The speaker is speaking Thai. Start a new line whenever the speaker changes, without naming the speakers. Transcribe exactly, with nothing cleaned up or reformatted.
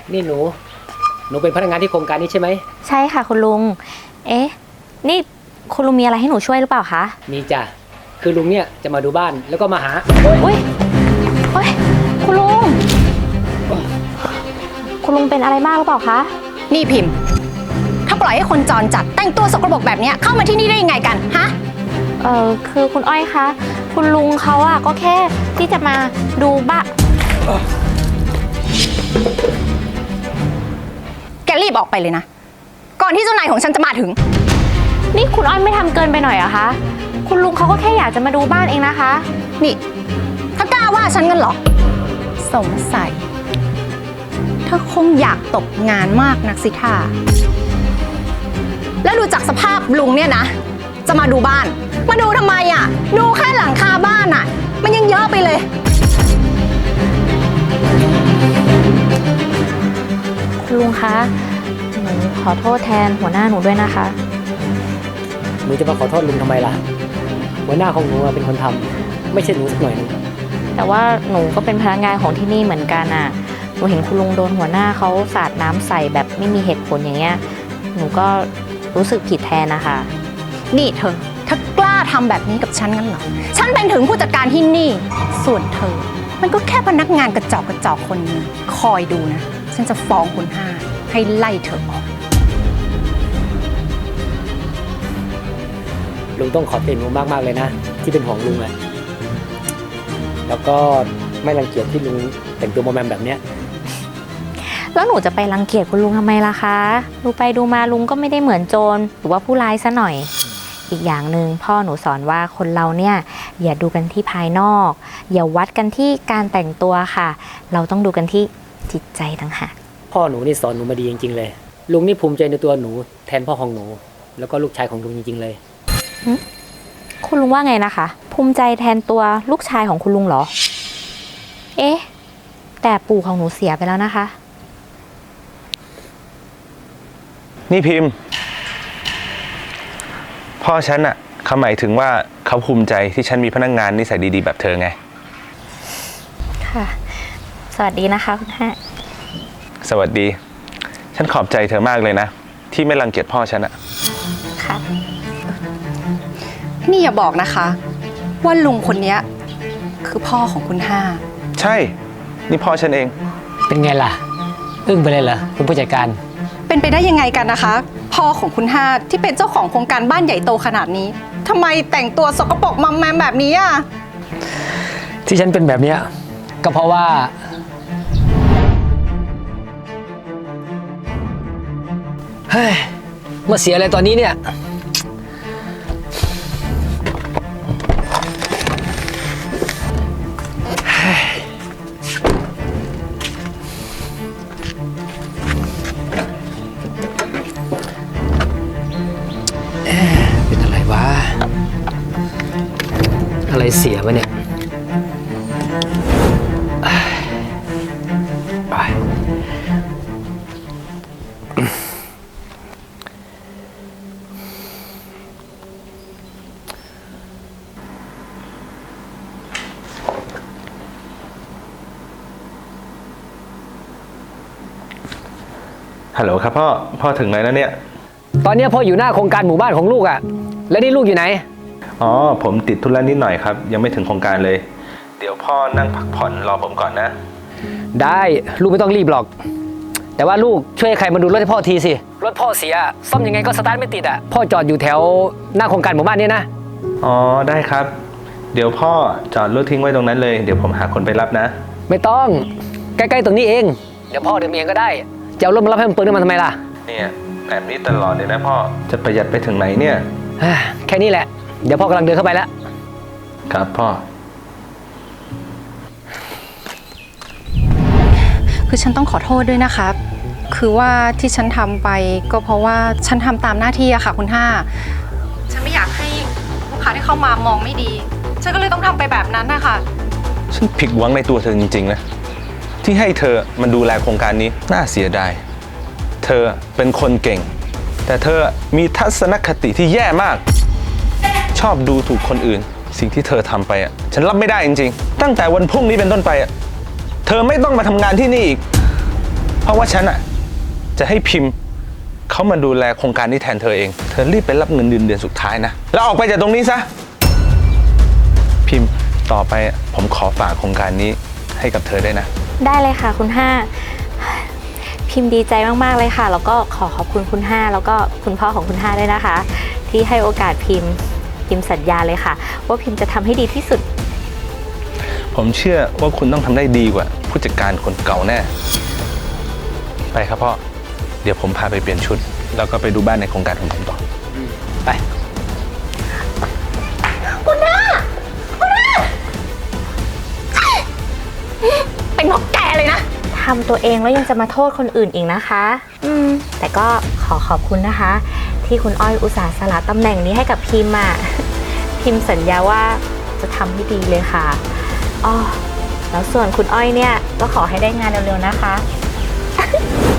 นี่หนูหนูเป็นพนักงานที่โครงการนี้ใช่ไหม
ใช่ค่ะคุณลุงเอ๊ะนี่คุณลุงมีอะไรให้หนูช่วยหรือเปล่าคะ
มีจ้ะคือลุงเนี่ยจะมาดูบ้านแล้วก็มาหา
อุ้ยโอ้ยคุณลุงคุณลุงเป็นอะไรมากหรือเปล่าคะ
นี่พิมพ์ถ้าปล่อยให้คนจรจัดแต่งตัวสกปรกแบบนี้เข้ามาที่นี่ได้ยังไงกันฮะ
เออคือคุณอ้อยคะคุณลุงเขาอะก็แค่ที่จะมาดูบ้าน
แกรีบออกไปเลยนะก่อนที่เจ้านายของฉันจะมาถึง
นี่คุณอ้อยไม่ทำเกินไปหน่อยเหรอคะคุณลุงเขาก็แค่อยากจะมาดูบ้านเองนะคะ
นี่ถ้ากล้าว่าฉันกันเหรอสงสัยเธอคงอยากตกงานมากนักสิท่าแล้วดูจากสภาพลุงเนี่ยนะจะมาดูบ้านมาดูทำไมอ่ะดูแค่หลังคาบ้านอ่ะมันยังเยอะไปเลย
คุณลุงคะหนูขอโทษแทนหัวหน้าหนูด้วยนะคะ
หนูจะมาขอโทษลุงทำไมล่ะหัวหน้าของหนูเป็นคนทำไม่ใช่หนูสักหน่อยนึง
แต่ว่าหนูก็เป็นพนักงานของที่นี่เหมือนกันอ่ะหนูเห็นคุณลุงโดนหัวหน้าเขาสาดน้ำใส่แบบไม่มีเหตุผลอย่างเงี้ยหนูก็รู้สึกผิดแทนนะคะ
นี่เธอถ้ากล้าทำแบบนี้กับฉันงั้นเหรอฉันเป็นถึงผู้จัดการที่นี่ส่วนเธอมันก็แค่พนักงานกระจอกกระจอกคนนึงคอยดูนะฉันจะฟ้องคุณห้าให้ไล่เธอออก
ลุงต้องขอบคุณหนูมากมากเลยนะที่เป็นห่วงลุงอะแล้วก็ไม่รังเกียจที่ลุงแต่งตัวโมแมมแบบเนี้ย
แล้วหนูจะไปรังเกียจคุณลุงทำไมล่ะคะดูไปดูมาลุงก็ไม่ได้เหมือนโจรหรือว่าผู้ร้ายซะหน่อยอีกอย่างหนึ่งพ่อหนูสอนว่าคนเราเนี่ยอย่าดูกันที่ภายนอกอย่าวัดกันที่การแต่งตัวค่ะเราต้องดูกันที่จิตใจต่างหาก
พ่อหนูนี่สอนหนูมาดีจริงๆเลยลุงนี่ภูมิใจในตัวหนูแทนพ่อของหนูแล้วก็ลูกชายของลุงจริงๆเลย
คุณลุงว่าไงนะคะภูมิใจแทนตัวลูกชายของคุณลุงเหรอเอ๊ะแต่ปู่ของหนูเสียไปแล้วนะคะ
นี่พิมพ์พ่อฉันอะเขาหมายถึงว่าเขาภูมิใจที่ฉันมีพนักงานนิสัยดีๆแบบเธอไง
ค่ะสวัสดีนะคะคุณแม่
สวัสดีฉันขอบใจเธอมากเลยนะที่ไม่รังเกียจพ่อฉันอะ
ค่ะ
นี่อย่าบอกนะคะว่าลุงคนนี้คือพ่อของคุณห้า
ใช่นี่พ่อฉันเอง
เป็นไงล่ะอึ้งไปเลยเหรอคุณผู้จัดการ
เป็นไปได้ยังไงกันนะคะพ่อของคุณห้าที่เป็นเจ้าของโครงการบ้านใหญ่โตขนาดนี้ทำไมแต่งตัวสกปรกมัมแมมแบบนี้อ่ะ
ที่ฉันเป็นแบบนี้ก็เพราะว่าเฮ้ยมาเสียอะไรตอนนี้เนี่ยเป็นอะไรวะอะไรเสียวะเนี่ยไป
ฮัลโหลครับพ่อพ่อถึงไหนแล้วเนี่ย
ตอนนี้พ่ออยู่หน้าโครงการหมู่บ้านของลูกอะแล้วนี่ลูกอยู่ไหน
อ๋อผมติดธุระนิดหน่อยครับยังไม่ถึงโครงการเลยเดี๋ยวพ่อนั่งพักผ่อนรอผมก่อนนะ
ได้ลูกไม่ต้องรีบหรอกแต่ว่าลูกช่วยใครมาดูรถให้พ่อทีสิรถพ่อเสียซ่อมยังไงก็สตาร์ทไม่ติดอะพ่อจอดอยู่แถวหน้าโครงการหมู่บ้านนี้นะ
อ๋อได้ครับเดี๋ยวพ่อจอดรถทิ้งไว้ตรงนั้นเลยเดี๋ยวผมหาคนไปรับนะ
ไม่ต้องใกล้ๆตรงนี้เองเดี๋ยวพ่อเดินเองก็ได้จะเอารถมารับให้มันเปลืองน้ำมันทำไมล่ะ
เนี่ยแบบนี้ตลอดเลยนะพ่อจะประหยัดไปถึงไหนเนี่ย
แค่นี้แหละเดี๋ยวพ่อกำลังเดินเข้าไปแล้ว
ครับพ่อ
คือฉันต้องขอโทษด้วยนะครับคือว่าที่ฉันทำไปก็เพราะว่าฉันทำตามหน้าที่อะค่ะคุณห้าฉันไม่อยากให้ลูกค้าที่เข้ามามองไม่ดีฉันก็เลยต้องทำไปแบบนั้นนะคะ
ฉันผิดหวังในตัวเธอจริงๆนะที่ให้เธอมันดูแลโครงการนี้น่าเสียดายเธอเป็นคนเก่งแต่เธอมีทัศนคติที่แย่มากชอบดูถูกคนอื่นสิ่งที่เธอทำไปอ่ะฉันรับไม่ได้จริงๆตั้งแต่วันพรุ่งนี้เป็นต้นไปอ่ะเธอไม่ต้องมาทำงานที่นี่อีกเพราะว่าฉันอ่ะจะให้พิมพ์เขามาดูแลโครงการนี้แทนเธอเอง เธอรีบไปรับเงินเดือนเดือนสุดท้ายนะ แล้วออกไปจากตรงนี้ซะ พิมพ์ต่อไปผมขอฝากโครงการนี้ให้กับเธอได้นะ
ได้เลยค่ะคุณห้าพิมพ์ดีใจมากๆเลยค่ะ แล้วก็ขอขอบคุณคุณห้าแล้วก็คุณพ่อของคุณห้าด้วยนะคะ ที่ให้โอกาสพิมพ์พิมพ์สัญญาเลยค่ะ ว่าพิมพ์จะทำให้ดีที่สุด
ผมเชื่อว่าคุณต้องทำได้ดีกว่าผู้จัดการคนเก่าแน่ ไปครับพ่อ เดี๋ยวผมพาไปเปลี่ยนชุด แล้วก็ไปดูบ้านในโครงการของผมต่อ
ไป
เป็นเพราะแกเลยนะ
ทำตัวเองแล้วยังจะมาโทษคนอื่นอีกนะคะ อืม แต่ก็ขอขอบคุณนะคะ ที่คุณอ้อยอุตส่าห์สละตำแหน่งนี้ให้กับพิมพ์อ่ะ พิมพ์สัญญาว่าจะทำให้ดีเลยค่ะอ้อแล้วส่วนคุณอ้อยเนี่ยก็ขอให้ได้งานเร็วๆนะคะ